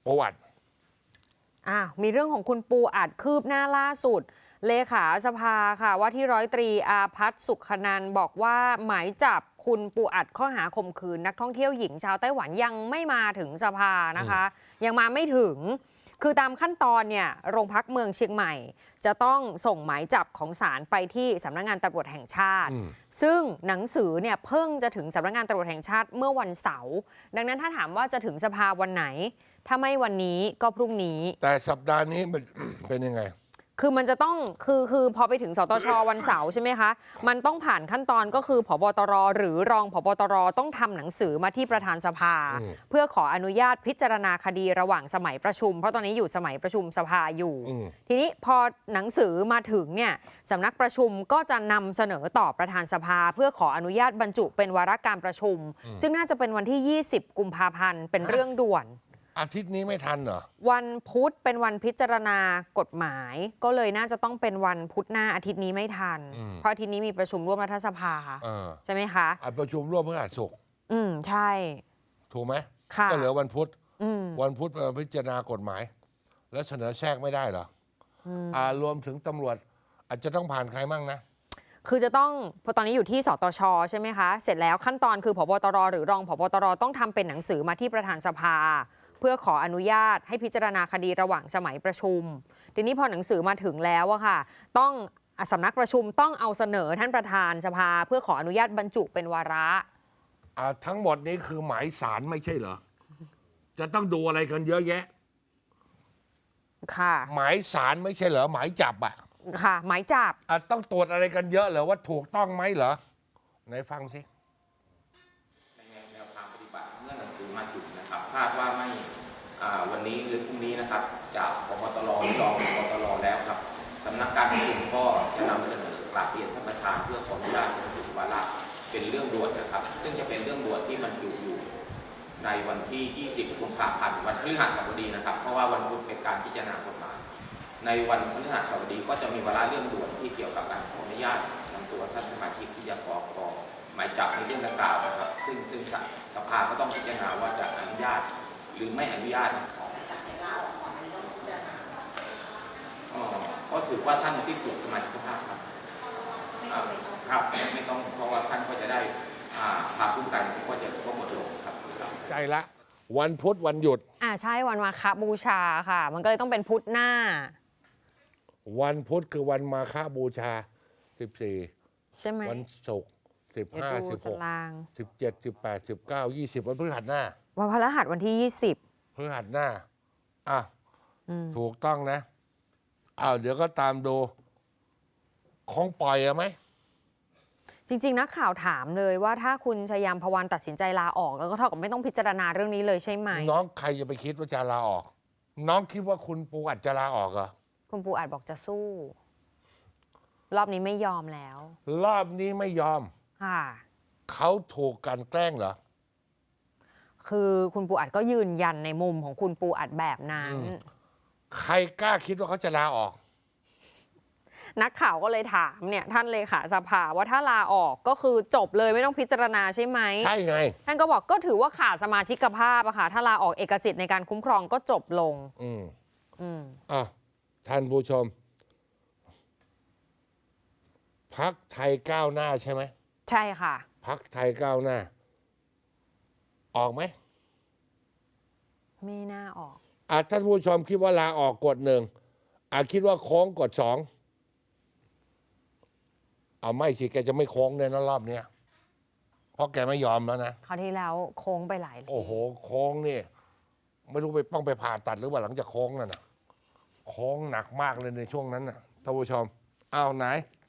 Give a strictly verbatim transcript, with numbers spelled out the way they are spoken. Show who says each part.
Speaker 1: ปูอัด
Speaker 2: อ่ะมีเรื่องของคุณปูอัดคืบหน้าล่าสุดเลขาสภาค่ะว่าที่ร้อยตรีอาภัสสุขนันท์บอกว่าหมายจับคุณปูอัดข้อหาข่มขืนนักท่องเที่ยวหญิงชาวไต้หวันยังไม่มาถึงสภานะคะยังมาไม่ถึงคือตามขั้นตอนเนี่ยโรงพักเมืองเชียงใหม่จะต้องส่งหมายจับของศาลไปที่สำนักงานตำรวจแห่งชาติซึ่งหนังสือเนี่ยเพิ่งจะถึงสำนักงานตำรวจแห่งชาติเมื่อวันเสาร์ดังนั้นถ้าถามว่าจะถึงสภาวันไหนถ้าไม่วันนี้ก็พรุ่งนี้
Speaker 1: แต่สัปดาห์นี้มันเป็นยังไง
Speaker 2: คือมันจะต้องคือคือพอไปถึงสตช.วันเสาร์ใช่ไหมคะมันต้องผ่านขั้นตอนก็คือผบตรหรือรองผบตรต้องทำหนังสือมาที่ประธานสภาเพื่อขออนุญาตพิจารณาคดีระหว่างสมัยประชุมเพราะตอนนี้อยู่สมัยประชุมสภาอยู่ทีนี้พอหนังสือมาถึงเนี่ยสำนักประชุมก็จะนำเสนอต่อประธานสภาเพื่อขออนุญาตบรรจุเป็นวาระการประชุมซึ่งน่าจะเป็นวันที่ยี่สิบกุมภาพันธ์เป็นเรื่องด่วน
Speaker 1: อาทิตย์นี้ไม่ทันเหรอ
Speaker 2: วันพุธเป็นวันพิจารณากฎหมายก็เลยน่าจะต้องเป็นวันพุธหน้าอาทิตย์นี้ไม่ทันเพราะอาทิตย์นี้มีประชุมร่วมรัฐสภาใช่ไหมคะ
Speaker 1: ประชุมร่วมเพื่ออาศุกร์
Speaker 2: อืมใช่
Speaker 1: ถูกไหมก็เหลือวันพุธวันพุธพิจารณากฎหมายแล้วเสนอแทรกไม่ได้เหรออ่ารวมถึงตำรวจอาจจะต้องผ่านใครมั่งนะ
Speaker 2: คือจะต้องพอตอนนี้อยู่ที่สตช.ใช่ไหมคะเสร็จแล้วขั้นตอนคือผบตรหรือรองผบตรต้องทำเป็นหนังสือมาที่ประธานสภาเพื่อขออนุญาตให้พิจารณาคดีระหว่างสมัยประชุมทีนี้พอหนังสือมาถึงแล้วอะค่ะต้องสำนักประชุมต้องเอาเสนอท่านประธานสภาเพื่อขออนุญาตบรรจุเป็นวาระ
Speaker 1: ทั้งหมดนี้คือหมายสารไม่ใช่เหรอจะต้องดูอะไรกันเยอะแยะ
Speaker 2: ค่ะ
Speaker 1: หมายสารไม่ใช่เหรอหมายจับอะ
Speaker 2: ค่ะหมายจับ
Speaker 1: ต้องตรวจอะไรกันเยอะเหรอว่าถูกต้องไหมเหรอไหนฟังสิ
Speaker 3: แนวทางปฏิบัติเมื่อหนังสือมาถึงนะครับคาดว่าไม่วันนี้หรือพรุ่งนี้นะครับจากผบตรรองผบตรแล้วครับสำนักการประชุมก็จะนำเสนอกราบเรียนท่านประธานเพื่อขออนุญาตบรรจุวาระเป็นเรื่องด่วนนะครับซึ่งจะเป็นเรื่องด่วนที่มันอยู่อยู่ในวันที่ยี่สิบกุมภาพันธ์วันพฤหัสบดีนะครับเพราะว่าวันพุธเป็นการพิจารณากฎหมายในวันพฤหัสบดีก็จะมีวาระเรื่องด่วนที่เกี่ยวกับการขออนุญาตนำตัวท่านสมาชิกที่จะขอขอหมายจับในเรื่องดังกล่าวนะครับซึ่งซึ่งสภาก็ต้องพิจารณาว่าจะอนุญาตหรือไม่อนุญาตก็ถือว่าท่านที่สุดสมาชิกภาพครับครับไม่ต้องเพราะว่าท่านก็จะได้พาผู้กันก็จะก็หมดลงครับ
Speaker 1: ใจละวันพุธวันหยุด
Speaker 2: อ่าใช่วันมาฆบูชาค่ะมันก็เลยต้องเป็นพุธหน้า
Speaker 1: วันพุธคือวันมาฆบูชาสิบสี่
Speaker 2: ใช่ไหม
Speaker 1: วันศุกร์สิบห้าสิบหกสิบเจ็ดสิบแปดสิบเก้ายี่สิบวันพฤหัสหน้า
Speaker 2: วันพฤหัสวันที่ยี่สิบ
Speaker 1: พฤหัสหน้าอ่ะถูกต้องนะอ้าวเดี๋ยวก็ตามดูของปล่อยอะไหม
Speaker 2: จริงๆนักข่าวถามเลยว่าถ้าคุณชยามพวันตัดสินใจลาออกแล้วก็เท่ากับไม่ต้องพิจารณาเรื่องนี้เลยใช่ไหม
Speaker 1: น้องใครจะไปคิดว่าจะลาออกน้องคิดว่าคุณปูอัดจะลาออกเหรอ
Speaker 2: คุณปูอัดบอกจะสู้รอบนี้ไม่ยอมแล้ว
Speaker 1: รอบนี้ไม่ยอม
Speaker 2: ค่ะ
Speaker 1: เขาถูกกันแกล้งเหรอ
Speaker 2: คือคุณปูอัดก็ยืนยันในมุมของคุณปูอัดแบบนั้น
Speaker 1: ใครกล้าคิดว่าเขาจะลาออก
Speaker 2: นักข่าวก็เลยถามเนี่ยท่านเลขาสภาว่าถ้าลาออกก็คือจบเลยไม่ต้องพิจารณาใช่ไหม
Speaker 1: ใช่ไง
Speaker 2: ท่านก็บอกก็ถือว่าขาดสมาชิกภาพอะค่ะถ้าลาออกเอกสิทธิ์ในการคุ้มครองก็จบลง
Speaker 1: อืมอืมอ่ะท่านผู้ชมพรรคไทยก้าวหน้าใช่ไหม
Speaker 2: ใช่ค่ะ
Speaker 1: พรรคไทยก้าวหน้าออกไหม
Speaker 2: ไม่น่าออก
Speaker 1: อ่ะท่านผู้ชมคิดว่าลาออกกดหนึ่งอ่ะคิดว่าโค้งกดสองเอาไม่สิแกจะไม่โค้งเลยนะรอบเนี้ยเพราะแกไม่ยอมแล้วนะ
Speaker 2: คราวที่แล้วโค้งไปหลาย
Speaker 1: โอ้โหโค้งนี่ไม่รู้ไปต้องไปผ่าตัดหรือว่าหลังจากโค้งนั่นนะโค้งหนักมากเลยในช่วงนั้นนะท่านผู้ชมเอาไหน